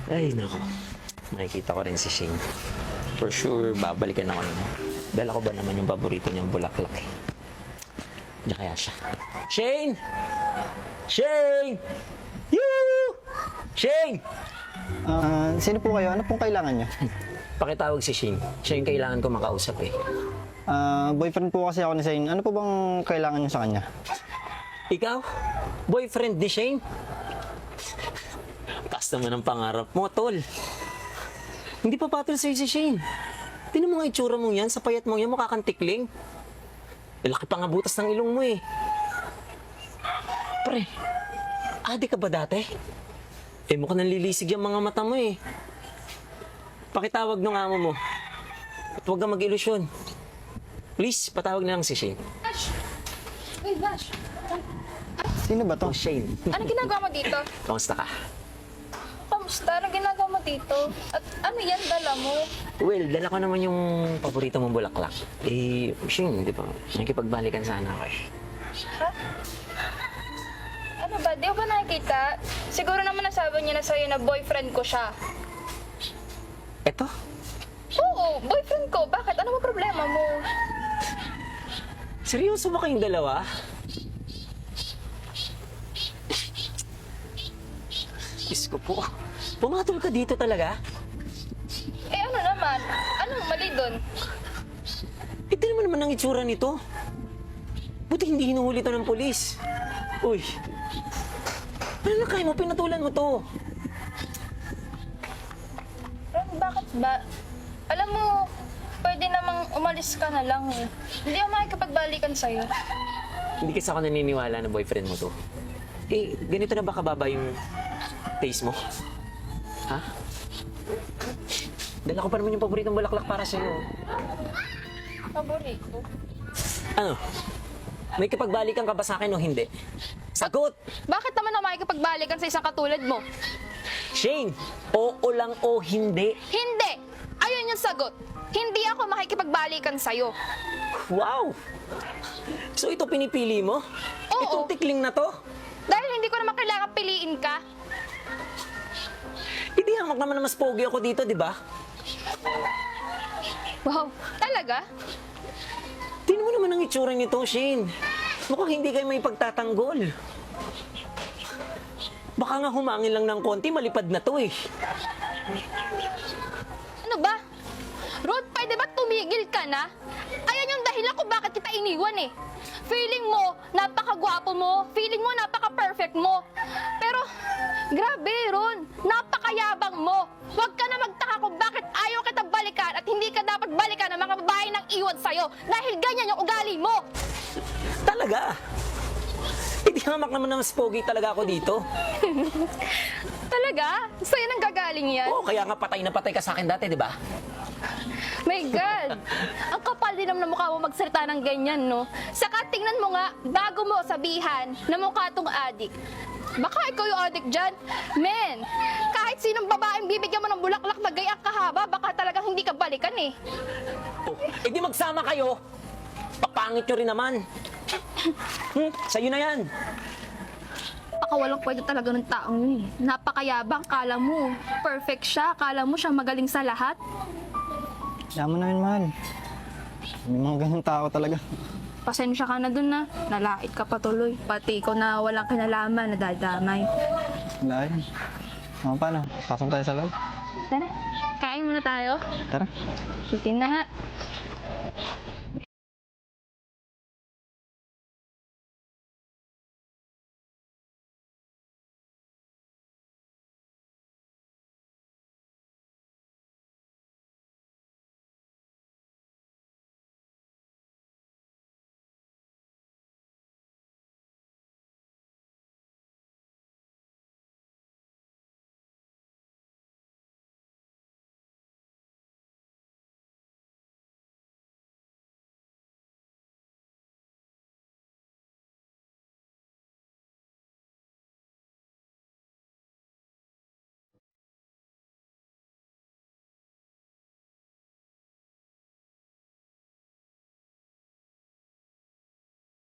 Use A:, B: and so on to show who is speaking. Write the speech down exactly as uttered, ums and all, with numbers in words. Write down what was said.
A: Ay, nako. Makikita ko rin si Shane. For sure, babalikan ako naman. Dala ko ba naman yung paborito niyang bulaklak eh. Diyan kaya siya. Shane! Shane! Yoo! Shane!
B: Ah, sino po kayo? Ano pong kailangan nyo?
A: Pakitawag si Shane. Siya yung kailangan ko makausap eh.
B: Ah, boyfriend po kasi ako ni Zane. Ano po bang kailangan nyo sa kanya?
A: Ikaw? Boyfriend ni Shane? Taas naman ang pangarap mo, tol. Hindi pa patol sa'yo si Shane. Tinan mo nga itsura mong yan, sa payat mong yan, mukha kang tikling. Eh, laki pa nga butas ng ilong mo eh. Pre, adi ka ba dati? Eh, mukhang nanlilisig yung mga mata mo eh. Pakitawag ng amo mo. At huwag kang mag-ilusyon. Please, patawag na lang si Shane.
C: Bash! Uy, Bash!
B: Sino ba to?
A: Oh, Shane.
C: Anong ginagawa mo dito?
A: Kamusta ka?
C: Kamusta? Anong ginagawa mo dito? At ano yan, dala mo?
A: Well, dala ko naman yung paborito mong bulaklak. Eh, Shane, di ba? Nakikipagbalikan sana ako eh.
C: Ha? Ano ba? Di ko ba nakikita? Siguro naman nasabi niya na sa'yo na boyfriend ko siya.
A: Eto?
C: Oo, boyfriend ko. Bakit? Ano ba problema mo?
A: Seryoso ba kayong dalawa? Diyos ko po. Pumatol ka dito talaga?
C: Eh ano naman? Anong mali doon?
A: Eh, tinan mo naman ang itsura nito. Buti hindi hinuhuli to ng polis. Uy. Ano na kaya mo? Pinatulan mo to.
C: Ron, bakit ba? Alam mo, pwede namang umalis ka na lang eh. Hindi ako makikipagbalikan sa'yo.
A: Hindi kasi ako naniniwala na boyfriend mo to. Eh, ganito na ba kababa yung taste mo? Ha? Dala ko pa naman yung paboritong bulaklak para sa'yo.
C: Paborito.
A: Ano? May kipagbalikan ka ba sa akin o hindi? Sagot!
C: Bakit naman ako makikipagbalikan sa isang katulad mo?
A: Shane, oo lang o hindi.
C: Hindi! Ayun yung sagot. Hindi ako makikipagbalikan sa'yo.
A: Wow! So ito pinipili mo?
C: Oo.
A: Itong tikling na to?
C: Dahil hindi ko naman kailangan piliin ka.
A: Hindi hamak naman na mas pogi ako dito, di ba?
C: Wow, talaga?
A: Tingnan mo naman ang itsura nito, Shane. Mukhang hindi kayo may pagtatanggol. Baka nga humangin lang ng konti, malipad na to eh.
C: Ano ba? Rod, pwede ba tumigil ka na? Ayan yung dahilan kung bakit kita iniwan eh. Feeling mo, napakagwapo mo. Feeling mo, napaka-perfect mo. Pero, grabe, Ron. Napakayabang mo. Huwag ka na magtaka kung bakit ayaw kita balikan at hindi ka dapat balikan ng mga babae nang iwan sa'yo. Dahil ganyan yung ugali mo.
A: Talaga? Hindi hamak naman na mas pogi talaga ako dito.
C: Talaga? Sa'yo nang gagaling yan?
A: Oo, kaya nga patay na patay ka sa akin dati, di ba?
C: My God! Ang kapal din naman ng mukha mo magsalita ng ganyan, no? Saka tingnan mo nga, bago mo sabihan na mukha tong adik. Baka ikaw yung adik dyan. Men, kahit sinong babaeng bibigyan mo ng bulaklak na gayang kahaba, baka talagang hindi ka balikan eh.
A: Oh, eh di magsama kayo. Papangit nyo rin naman. Hmm, sa'yo na yan.
C: Baka walang pwede talaga ng taong yun eh. Napakayabang, kala mo. Perfect siya, kala mo siya magaling sa lahat.
B: Kaya mo na yun, mahal. May mga ganun tao talaga.
C: Pasensya ka na dun na. Nalait ka pa tuloy. Pati ikaw na walang kinalaman, nadadamay.
B: Wala yun. Ano paano? Pasok tayo sa loob.
C: Tara, kain muna tayo.
B: Tara.
C: Sutin na ha.